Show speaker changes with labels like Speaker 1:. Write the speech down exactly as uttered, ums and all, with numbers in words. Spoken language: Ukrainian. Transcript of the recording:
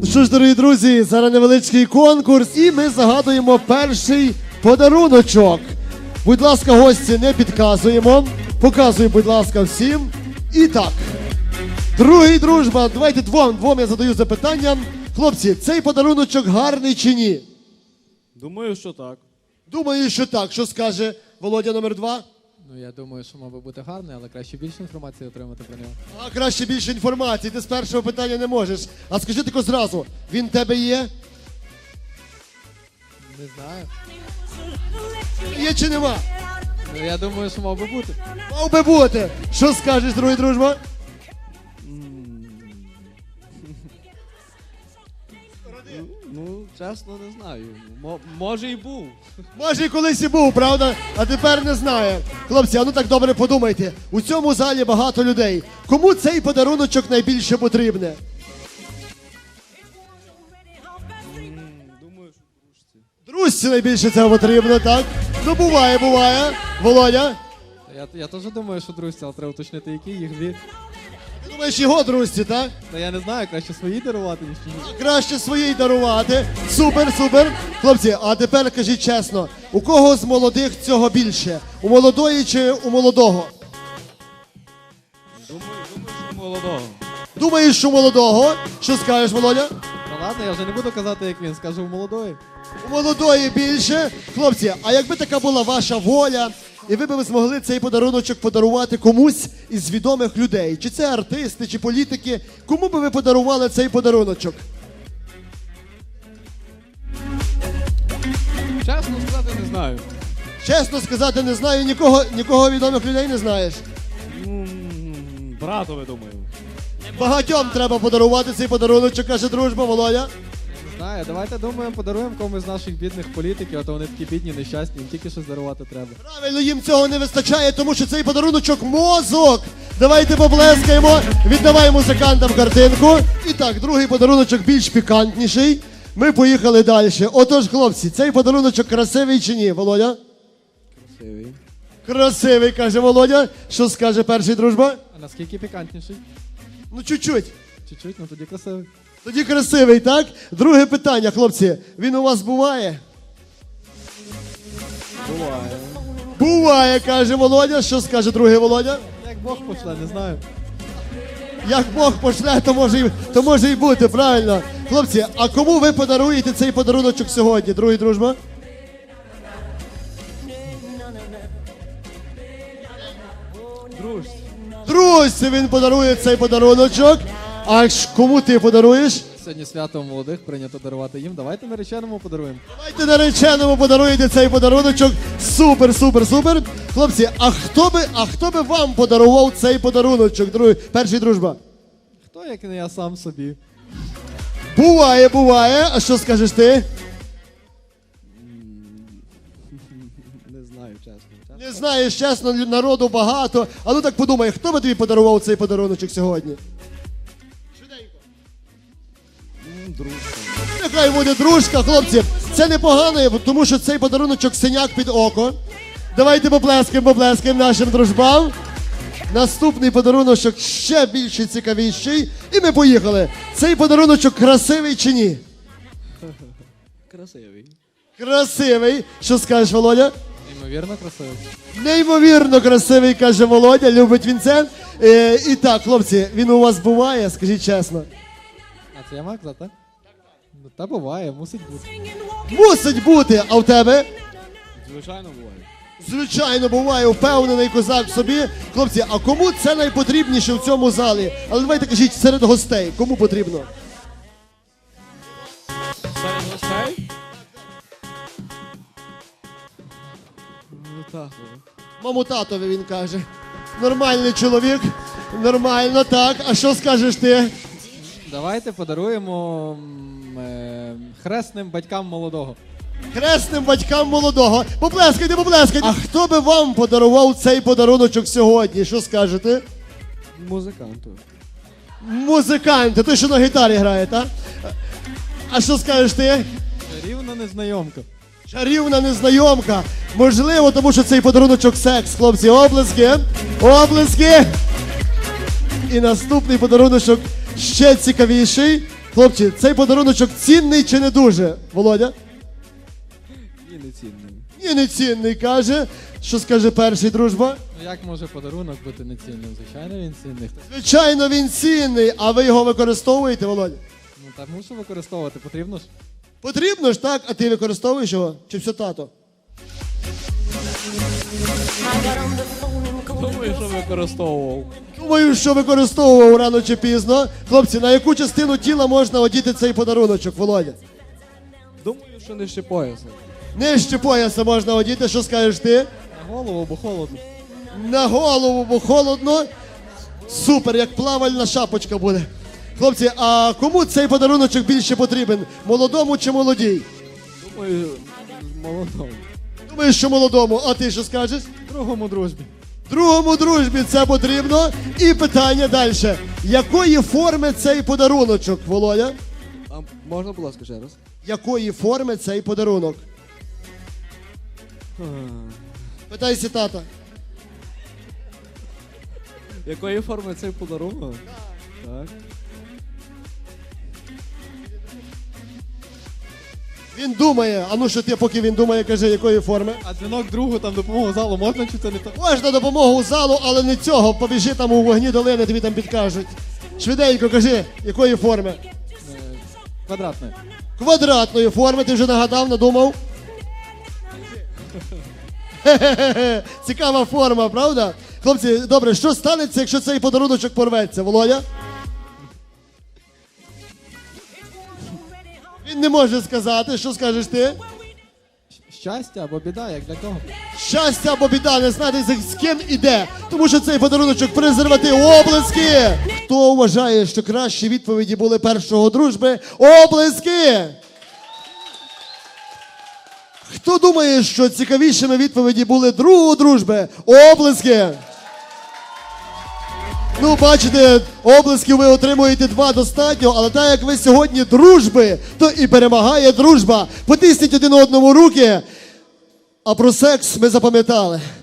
Speaker 1: Ну що ж, дорогі друзі, зараз невеличкий конкурс, і ми загадуємо перший подаруночок. Будь ласка, гості, не підказуємо. Показуй, будь ласка, всім. І так, другий дружба, давайте двом, двом я задаю запитання. Хлопці, цей подаруночок гарний чи ні?
Speaker 2: Думаю, що так.
Speaker 1: Думаю, що так. Що скаже Володя номер два?
Speaker 3: Ну, я думаю, що мав би бути гарний, але краще більше інформації отримати про нього.
Speaker 1: А краще більше інформації, ти з першого питання не можеш. А скажи тако зразу, він в тебе є?
Speaker 3: Не знаю.
Speaker 1: Є чи нема?
Speaker 3: Ну, я думаю, що мав би бути.
Speaker 1: Мав би бути. Що скажеш, другий дружба?
Speaker 2: Ну, чесно, не знаю. Мо- може і був.
Speaker 1: Може, і колись і був, правда? А тепер не знає. Хлопці, а ну так добре подумайте. У цьому залі багато людей. Кому цей подаруночок найбільше потрібне?
Speaker 2: Думаю, що дружці.
Speaker 1: Друзці найбільше цього потрібно, так? Ну, буває, буває. Володя?
Speaker 3: Я, я теж думаю, що друзі, але треба уточнити, які їх дві.
Speaker 1: Ти думаєш, його друзці, так?
Speaker 3: Та я не знаю, краще свої дарувати, ніж чужі.
Speaker 1: Краще своїй дарувати. Супер, супер. Хлопці, а тепер кажіть чесно, у кого з молодих цього більше? У молодої чи у молодого?
Speaker 2: Думаю, думаю, що молодого.
Speaker 1: Думаєш, що у молодого? Що скажеш, Володя?
Speaker 3: Та ладно, я вже не буду казати, як він, скажу в молодої.
Speaker 1: У молодої більше. Хлопці, а якби така була ваша воля, і ви б змогли цей подаруночок подарувати комусь із відомих людей, чи це артисти, чи політики, кому би ви подарували цей подаруночок?
Speaker 2: Чесно сказати, не знаю.
Speaker 1: Чесно сказати, не знаю, нікого, нікого відомих людей не знаєш.
Speaker 2: Ну, братове, думаю.
Speaker 1: Багатьом треба подарувати цей подаруночок, каже дружба, Володя.
Speaker 3: Не знаю, давайте думаємо, подаруємо комусь з наших бідних політиків, а то вони такі бідні, нещасні, їм тільки щось дарувати треба.
Speaker 1: Правильно, їм цього не вистачає, тому що цей подаруночок мозок. Давайте поплескаємо, віддавай музикантам картинку. І так, другий подаруночок більш пікантніший. Ми поїхали далі. Отож, хлопці, цей подаруночок красивий чи ні, Володя?
Speaker 2: Красивий.
Speaker 1: Красивий, каже Володя. Що скаже перший дружба?
Speaker 3: А наскільки пікантніший?
Speaker 1: Ну, чуть-чуть.
Speaker 3: Чуть-чуть, ну тоді красивий.
Speaker 1: Тоді красивий, так? Друге питання, хлопці. Він у вас буває?
Speaker 2: Буває.
Speaker 1: Буває, каже Володя. Що скаже другий Володя?
Speaker 3: Як Бог пошле, не знаю.
Speaker 1: Як Бог пошле, то може, і, то може і бути, правильно. Хлопці, а кому ви подаруєте цей подаруночок сьогодні, другий дружба?
Speaker 2: Дружці.
Speaker 1: Друзі, він подарує цей подаруночок. А ж кому ти подаруєш?
Speaker 3: Сьогодні свято молодих, прийнято дарувати їм. Давайте нареченому подаруємо.
Speaker 1: Давайте нареченому подаруєте цей подаруночок. Супер, супер, супер. Хлопці, а хто би, а хто би вам подарував цей подаруночок, другий, перший дружба?
Speaker 3: Хто, як не я сам собі?
Speaker 1: Буває, буває. А що скажеш ти?
Speaker 2: Не знаю, чесно. чесно.
Speaker 1: Не знаєш, чесно, народу багато. А ну так подумай, хто би тобі подарував цей подаруночок сьогодні?
Speaker 2: М, Дружка.
Speaker 1: Нехай буде дружка, хлопці. Це непогано, тому що цей подаруночок синяк під око. Давайте поплескаємо, поплескаємо нашим дружбам. Наступний подаруночок ще більше цікавіший. І ми поїхали. Цей подаруночок красивий чи ні?
Speaker 2: Красивий.
Speaker 1: Красивий. Що скажеш, Володя?
Speaker 3: Неймовірно красивий.
Speaker 1: Неймовірно красивий, каже Володя. Любить він це. Е, і так, хлопці, він у вас буває, скажіть чесно.
Speaker 3: А це я маю казати, так? Ну, та буває, мусить бути.
Speaker 1: Мусить бути, а в тебе?
Speaker 2: Звичайно, буває.
Speaker 1: Звичайно, буває, впевнений козак в собі. Хлопці, а кому це найпотрібніше в цьому залі? Але давайте кажіть, серед гостей, кому потрібно?
Speaker 2: Серед гостей? Ну так.
Speaker 1: Маму татові, він каже. Нормальний чоловік, нормально, так. А що скажеш ти?
Speaker 3: Давайте подаруємо м, е, хресним батькам молодого.
Speaker 1: Хресним батькам молодого. Поплескайте, поплескайте. А хто би вам подарував цей подаруночок сьогодні? Що скажете?
Speaker 2: Музиканту.
Speaker 1: Музиканти, той, що на гітарі грає, так? А що скажеш ти?
Speaker 3: Рівна незнайомка.
Speaker 1: Чарівна незнайомка. Можливо, тому що цей подаруночок секс, хлопці. Облески. Облески. І наступний подаруночок ще цікавіший. Хлопці, цей подаруночок цінний чи не дуже? Володя?
Speaker 2: Ні, не цінний.
Speaker 1: Ні, не цінний, каже. Що скаже перший, дружба?
Speaker 3: Ну як може подарунок бути нецінним? Звичайно, він цінний.
Speaker 1: Звичайно, він цінний, а ви його використовуєте, Володя?
Speaker 3: Ну так мушу використовувати, потрібно ж.
Speaker 1: Потрібно ж, так? А ти використовуєш його? Чи все тато?
Speaker 2: Думаю, що використовував.
Speaker 1: Думаю, що використовував рано чи пізно. Хлопці, на яку частину тіла можна одіти цей подаруночок, Володя?
Speaker 2: Думаю, що не ще пояса.
Speaker 1: Нижче пояса можна одіти, що скажеш ти?
Speaker 3: На голову, бо холодно.
Speaker 1: На голову, бо холодно. Супер, як плавальна шапочка буде. Хлопці, а кому цей подаруночок більше потрібен? Молодому чи молодій?
Speaker 2: Думаю, молодому.
Speaker 1: Думаю, що молодому. А ти що скажеш?
Speaker 3: Другому дружбі.
Speaker 1: Другому дружбі це потрібно. І питання далі. Якої форми цей подаруночок, Володя?
Speaker 2: А можна, будь ласка, ще раз?
Speaker 1: Якої форми цей подарунок? Питайся тата.
Speaker 2: Якої форми цей подарунок? Так.
Speaker 1: Він думає, а ну що ти, поки він думає, кажи, якої форми?
Speaker 3: А дзвінок другу там допомогу залу можна чи це не так?
Speaker 1: Можна допомогу залу, але не цього. Побіжи там у вогні долини, тобі там підкажуть. Швиденько кажи, якої форми?
Speaker 3: Е, Квадратне.
Speaker 1: Квадратної форми, ти вже нагадав, надумав? Хе-хе-хе. Цікава форма, правда? Хлопці, добре, що станеться, якщо цей подаруночок порветься, Володя? Він не може сказати, що скажеш ти?
Speaker 3: Щастя або біда, як для кого?
Speaker 1: Щастя або біда, не знати з ким іде, тому що цей подаруночок презерватив. Облески! Хто вважає, що кращі відповіді були першого дружби? Облески! Хто думає, що цікавішими відповіді були другого дружби? Облески! Ну, бачите, облесків ви отримуєте два достатньо, але так як ви сьогодні дружби, то і перемагає дружба. Потисніть один одному руки, а про секс ми запам'ятали.